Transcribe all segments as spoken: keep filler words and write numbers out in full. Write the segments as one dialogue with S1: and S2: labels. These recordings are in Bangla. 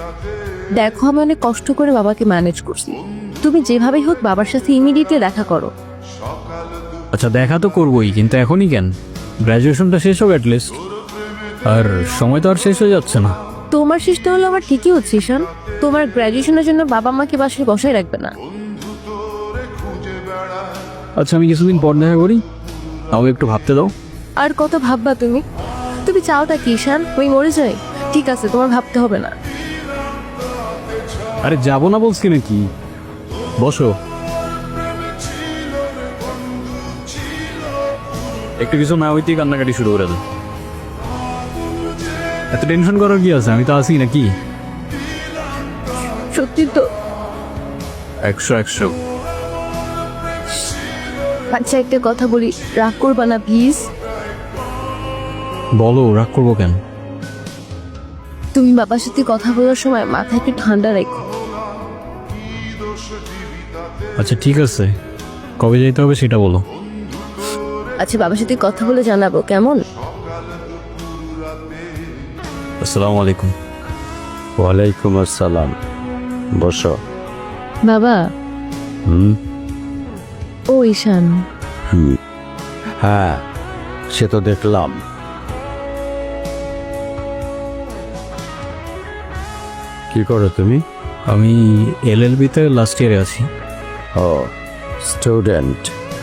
S1: দেখো আমি অনেক কষ্ট করে বাবাকে ম্যানেজ করছি, তুমি যেভাবেই হোক বাবার সাথে ইমিডিয়েটলি দেখা করো।
S2: আচ্ছা দেখা তো করবোই, কিন্তু এখনই কেন? গ্র্যাজুয়েশনটা শেষ হোক অ্যাটলিস্ট। আর সময় তো আর শেষ হয়ে যাচ্ছে না।
S1: তোমার শেষটা হলো আমার ঠিকই হচ্ছে ঈশান, তোমার গ্র্যাজুয়েশনের জন্য বাবা মাকে বাসায় বসায় রাখবে না।
S2: আচ্ছা আমি কিছুদিন পর দেখা করি, তাও একটু ভাবতে দাও।
S1: আর কত ভাববা তুমি? তুমি চাওটা কি ঈশান, আমি মরে যাই? ঠিক আছে, তোমার ভাবতে হবে না।
S2: আরে যাবো না বলছি নাকি, বসো। একটু কিছু না হইতেই কান্নাকাটি শুরু করে দেয়। এত টেনশন করার কি আছে, আমি তো আছি নাকি।
S1: সত্যি তো?
S2: একশো একশো।
S1: আচ্ছা একটা কথা বলি, রাগ করবা না প্লিজ?
S2: বলো, রাগ করবো কেন?
S1: তুমি বাবার সাথে কথা বলার সময় মাথা একটু ঠান্ডা রাখো।
S2: আচ্ছা ঠিক আছে, কবে যেতে হবে সেটা বলো।
S1: আচ্ছা বাবার সাথে কথা বলে জানাবো, কেমন?
S2: আসসালামু আলাইকুম।
S3: ওয়ালাইকুম আসসালাম, বসো।
S1: বাবা।
S3: হুম
S1: ও ঈশান।
S3: হুম হ্যাঁ, সে তো দেখলাম। কি করো তুমি?
S2: আমি এল এল বিতে লাস্ট ইয়ারে আছি।
S3: ও স্টুডেন্ট।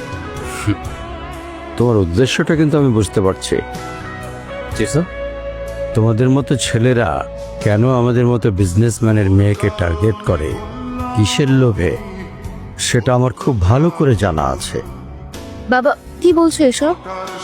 S3: তোমার উদ্দেশ্যটা কিন্তু আমি বুঝতে পারছি।
S2: জি স্যার।
S3: তোমাদের মতো ছেলেরা কেন আমাদের মতো বিজনেসম্যানের মেয়েকে টার্গেট করে, কিসের লোভে, সেটা আমার খুব ভালো করে জানা আছে।
S1: বাবা কি বলছো এসব?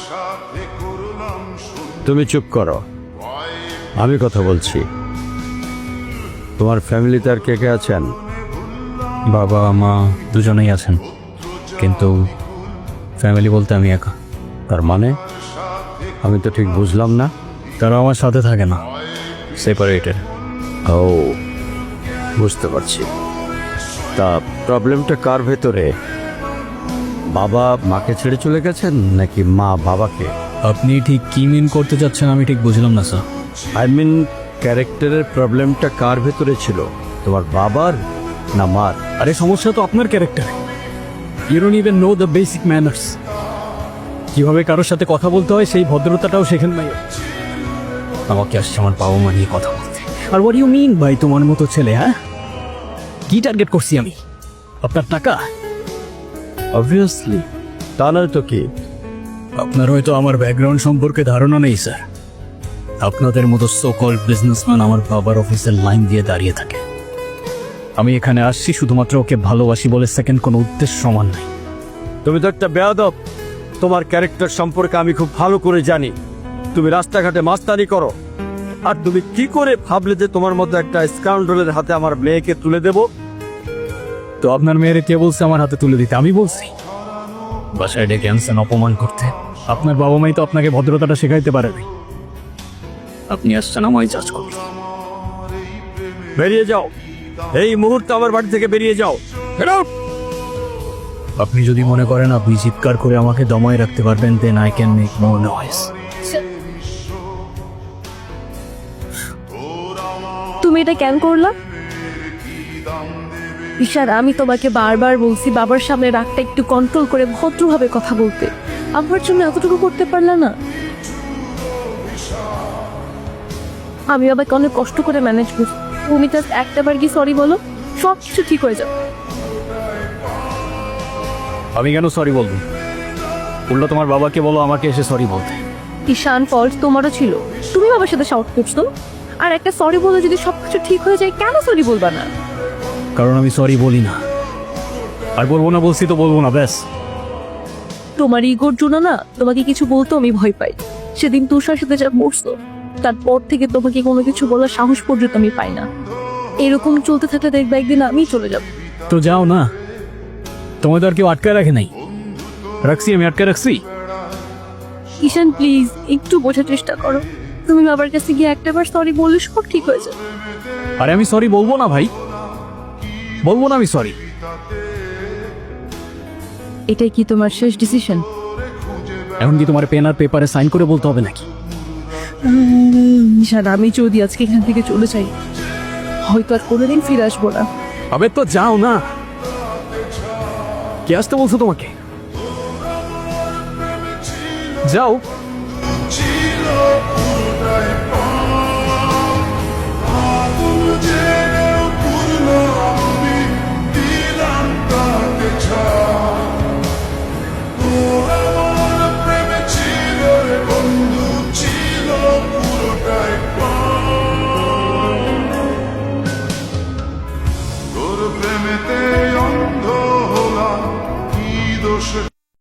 S3: তুমি চুপ করো, আমি কথা বলছি। তোমার ফ্যামিলিতে আর কে কে আছেন?
S2: বাবা মা দুজনেই আছেন, কিন্তু ফ্যামিলি বলতে আমি একা।
S3: তার মানে আমি তো ঠিক বুঝলাম না।
S2: তারা আমার সাথে থাকে না, সেপারেটেড।
S3: ও বুঝতে পারছি। তা প্রবলেমটা কার ভেতরে? বাবা মাকে ছেড়ে চলে গেছেন নাকি মা বাবাকে?
S2: আপনি ঠিক কি মিন করতে চাচ্ছেন আমি ঠিক বুঝলাম না স্যার।
S3: আই মিন ক্যারেক্টারের প্রবলেমটা কার ভেতরে ছিল, তোমার বাবার না মার?
S2: আরে সমস্যা তো আপনার ক্যারেক্টারে। You don't even know the basic manners. কিভাবে কারোর সাথে কথা বলতে হয় সেই ভদ্রতাটাও শেখেন নাই। আমাকে আসছে আমার বাবা মা নিয়ে কথা বলতে। আর হোয়াট ইউ মিন ভাই, তোমার মতো ছেলে? হ্যাঁ, কি টার্গেট করছি আমি? আপনার টাকা?
S3: অবভিয়াসলি, তা নয় তো কি?
S2: আপনার হয়তো আমার ব্যাকগ্রাউন্ড সম্পর্কে ধারণা নেই স্যার। আপনাদের মতো সো কল্ড বিজনেসম্যান আমার বাবার অফিসের লাইন দিয়ে দাঁড়িয়ে থাকে। আমি এখানে আসছি শুধুমাত্র ওকে ভালোবাসি বলে, সেকেন্ড কোনো উদ্দেশ্য সমান নাই।
S3: তুমি তো একটা বেয়াদব। তোমার ক্যারেক্টার সম্পর্কে আমি খুব ভালো করে জানি। তুমি রাস্তাঘাটে মাস্তানি করো, আর তুমি কি করে ভাবলে যে তোমার মতো একটা স্কাউন্ডলের হাতে আমার মেয়েকে তুলে দেব?
S2: তো আপনার মেয়েরে কে বলছে আমার হাতে তুলে দিতে? আমি বলছি? বাসায় ডেকে আনছেন অপমান করতে। আপনার বাবা মাই তো আপনাকে ভদ্রতাটা শেখাইতে পারেনি। আপনি আসছেন আমায় জাজ করতে।
S3: বেরিয়ে যাও, এই মুহূর্তে আমার বাড়ি থেকে বেরিয়ে যাও।
S2: Get out! আপনি যদি মনে করেন আপনি চিৎকার করে আমাকে দমায় রাখতে পারবেন, then I can make more noise.
S1: তুমি এটা কেন করলা? ঈশান আমি তোমাকে বারবার বলছি বাবার সামনে রাগটা একটু কন্ট্রোল করে ভদ্রভাবে কথা বলতে, আমার জন্য এতটুকু করতে পারলা না? আমি বাবাকে অনেক কষ্ট করে ম্যানেজ করছি, তুমি জাস্ট একটা বার কি সরি বলো, সব কিছু ঠিক হয়ে যাবে।
S2: আমি কেন সরি বলবো? উল্টো তোমার বাবাকে বলো আমাকে এসে সরি বলতে।
S1: ঈশান ফল্ট তোমারও ছিল, তুমি বাবার সাথে শাউট করছো। আর একটা সরি বলে যদি সবকিছু ঠিক হয়ে যায়, কেন সরি বলবা না?
S2: কারণ আমি সরি বলি না, আর বলবো না। বলছি তো বলবো না, ব্যাস।
S1: তোমার ইগোর জন্য না তোমাকে কিছু বলতে আমি ভয় পাই। সেদিন তুষার সাথে যা করছো, তারপর থেকে তোমাকে কোনো কিছু বলার সাহস পর্যন্ত আমি পাই না। এরকম চলতে থাকলে দেখবে একদিন আমি চলে যাব।
S2: তো যাও না, তোমায় তো আর কেউ আটকায় রাখে নাই। রাখছি, আমি আটকে রাখছি।
S1: ঈশান প্লিজ একটু বোঝার চেষ্টা করো, তুমি বাবার কাছে গিয়ে একটা বার সরি বললে সব ঠিক হয়ে যাবে।
S2: আরে আমি সরি বলবো না ভাই, বলবো না আমি সরি।
S1: এটাই কি তোমার শেষ ডিসিশন?
S2: এখন কি তোমার পেন আর পেপারে সাইন করে বলতে হবে নাকি?
S1: ঈশান আমি যদি আজকে এখান থেকে চলে যাই, হয়তো আর কোনোদিন ফিরে আসবো না।
S2: আবে তো যাও না। কে আসতে বলছো তোমাকে? যাও।